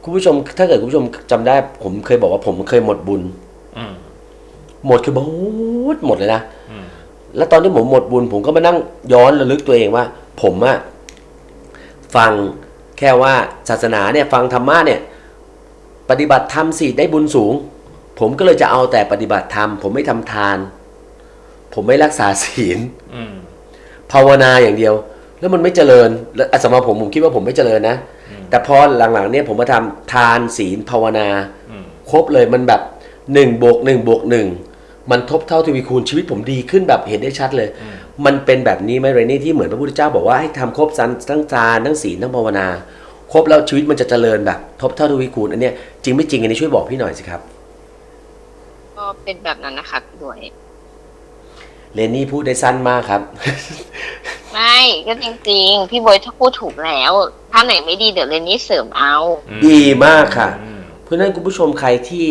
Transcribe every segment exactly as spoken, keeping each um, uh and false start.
คุณผู้ชมถ้าเกิดคุณผู้ชมจำได้ผมเคยบอกว่าผมเคยหมดบุญหมดคือหมดหมดเลยนะแล้วตอนที่ผมหมดบุญผมก็มานั่งย้อนระลึกตัวเองว่าผมอะฟังแค่ว่าศาสนาเนี่ยฟังธรรมะเนี่ยปฏิบัติธรรมสิได้บุญสูงผมก็เลยจะเอาแต่ปฏิบัติธรรมผมไม่ทำทานผมไม่รักษาศีลภาวนาอย่างเดียวแล้วมันไม่เจริญแล้วสำหรับผมผมคิดว่าผมไม่เจริญนะแต่พอหลังๆเนี่ยผมมาทำทานศีลภาวนาครบเลยมันแบบหนึ่งบวกหนึ่งบวกหนึ่งมันทบเท่าทวีคูณชีวิตผมดีขึ้นแบบเห็นได้ชัดเลยมันเป็นแบบนี้ไหมเรนนี่ที่เหมือนพระพุทธเจ้าบอกว่าให้ทำครบทั้งทานทั้งศีลทั้งภาวนาครบแล้วชีวิตมันจะเจริญแบบทบเท่าทวีคูณอันเนี้ยจริงไม่จริงอันนี้ช่วยบอกพี่หน่อยสิครับก็เป็นแบบนั้นนะคะพี่บวยเรนนี่พูดได้สั้นมากครับไม่ก็จริงๆพี่บวยถ้าพูดถูกแล้วถ้าไหนไม่ดีเดี๋ยวเรนนี่เสริมเอาดีมากค่ะเพราะฉะนั้นคุณผู้ชมใครที่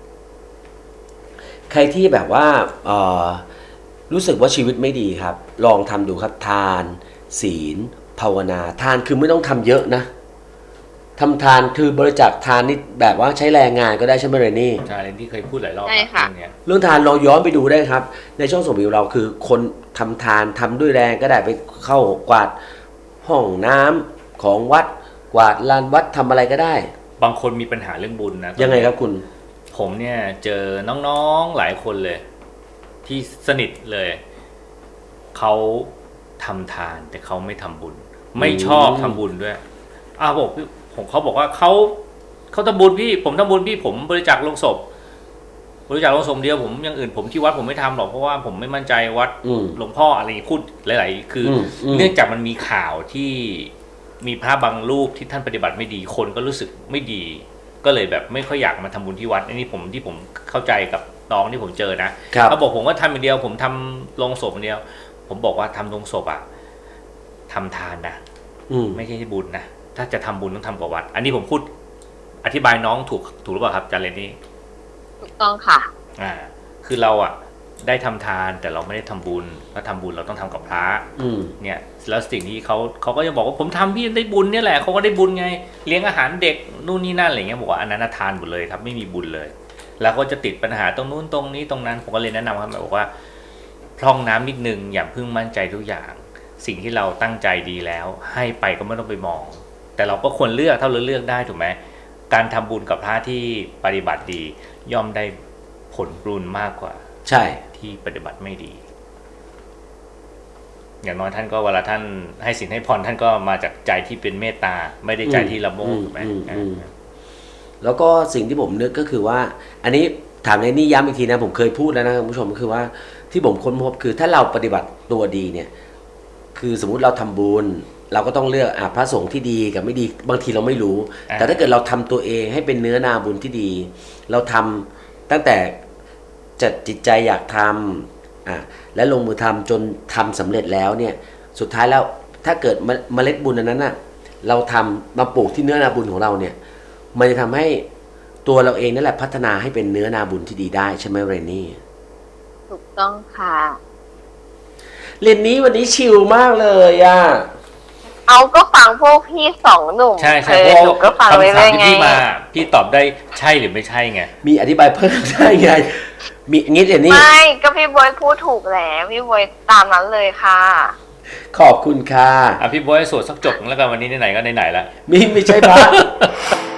ใครที่แบบว่าเอ่อรู้สึกว่าชีวิตไม่ดีครับลองทำดูครับทานศีลภาวนาทานคือไม่ต้องทำเยอะนะทำทานคือบริจาคทานนี่แบบว่าใช้แรงงานก็ได้ใช่ไหมเรนนี่ใช่เรนนี่เคยพูดหลายรอบใช่ค่ะเรื่องทานลองย้อนไปดูได้ครับในช่องส่งวิวเราคือคนทำทานทำด้วยแรงก็ได้ไปเข้ากวาดห้องน้ำของวัดกวาดลานวัดทำอะไรก็ได้บางคนมีปัญหาเรื่องบุญนะยังไงครับคุณผมเนี่ยเจอน้องๆหลายคนเลยที่สนิทเลยเขาทำทานแต่เขาไม่ทำบุญไม่ชอบทำบุญด้วยอ้าวบอกผมเขาบอกว่าเขาเขาทำบุญพี่ผมทำบุญพี่ผมบริจาคลงศพบริจาคลงศพเดียวผมอย่างอื่นผมที่วัดผมไม่ทำหรอกเพราะว่าผมไม่มั่นใจวัดหลวงพ่ออะไรพูดหลายๆคือเนื่องจากมันมีข่าวที่มีพระบางรูปที่ท่านปฏิบัติไม่ดีคนก็รู้สึกไม่ดีก็เลยแบบไม่ค่อยอยากมาทำบุญที่วัดอันนี้ผมที่ผมเข้าใจกับน้องที่ผมเจอนะเขาบอกผมว่าทำอย่างเดียวผมทำลงศพอย่างเดียวผมบอกว่าทำลงศพอ่ะทำทานนะไม่ใช่บุญนะถ้าจะทำบุญต้องทำกับวัดอันนี้ผมพูดอธิบายน้องถูกถูกหรือเปล่าครับอาจารย์เรนนี่ถูกต้องค่ะอ่าคือเราอ่ะได้ทำทานแต่เราไม่ได้ทำบุญถ้าทำบุญเราต้องทำกับพระเนี่ยแล้วสิ่งที่เขาเขาก็จะบอกว่าผมทำพี่ได้บุญเนี่ยแหละเขาก็ได้บุญไงเลี้ยงอาหารเด็กนู่นนี่นั่นอะไรเงี้ยบอกว่าอันนั้นทานหมดเลยครับไม่มีบุญเลยแล้วก็จะติดปัญหาตรงนู้นตรงนี้ตรงนั้นผมก็เลยแนะนำครับบอกว่าพร่องน้ำนิดนึงอย่าเพิ่งมั่นใจทุกอย่างสิ่งที่เราตั้งใจดีแล้วให้ไปก็ไม่ต้องไปมองแต่เราก็ควรเลือกถ้าเราเลือกได้ถูกไหมการทำบุญกับพระที่ปฏิบัติดีย่อมได้ผลบุญมากกว่าใช่ที่ปฏิบัติไม่ดีอย่างน้อยท่านก็เวลาท่านให้สินให้พรท่านก็มาจากใจที่เป็นเมตตาไม่ได้ใจที่ละโมบถูกไหมแล้วก็สิ่งที่ผมนึกก็คือว่าอันนี้ถามในนี่ย้ำอีกทีนะผมเคยพูดแล้วนะคุณผู้ชมก็คือว่าที่ผมค้นพบคือถ้าเราปฏิบัติตัวดีเนี่ยคือสมมุติเราทำบุญเราก็ต้องเลือกอ่ะพระสงฆ์ที่ดีกับไม่ดีบางทีเราไม่รู้แต่ถ้าเกิดเราทำตัวเองให้เป็นเนื้อนาบุญที่ดีเราทำตั้งแต่จัดจิตใจอยากทำอ่ะและลงมือทำจนทำสำเร็จแล้วเนี่ยสุดท้ายแล้วถ้าเกิดเมล็ดบุญอันนั้นน่ะเราทำมาปลูกที่เนื้อนาบุญของเราเนี่ยมันจะทำให้ตัวเราเองนั่นแหละพัฒนาให้เป็นเนื้อนาบุญที่ดีได้ใช่ไหมเรนนี่ถูกต้องค่ะเรนนี่วันนี้ชิลมากเลยอ่ะเอาก็ฟังพวกพี่สองหนุ่มใช่ใช่หนูก็ฟังไปเรื่อยไงพี่มาพี่ตอบได้ใช่หรือไม่ใช่ไงมีอธิบายเพิ่มได้ไงมีงี้เดี๋ยวนี้ไม่ก็พี่บอยพูดถูกแล้วพี่บอยตามนั้นเลยค่ะขอบคุณค่ะอ่ะพี่บอยสวดสักจบแล้วกันวันนี้ไหนๆก็ไหนๆแล้วมีไม่ใช่พระ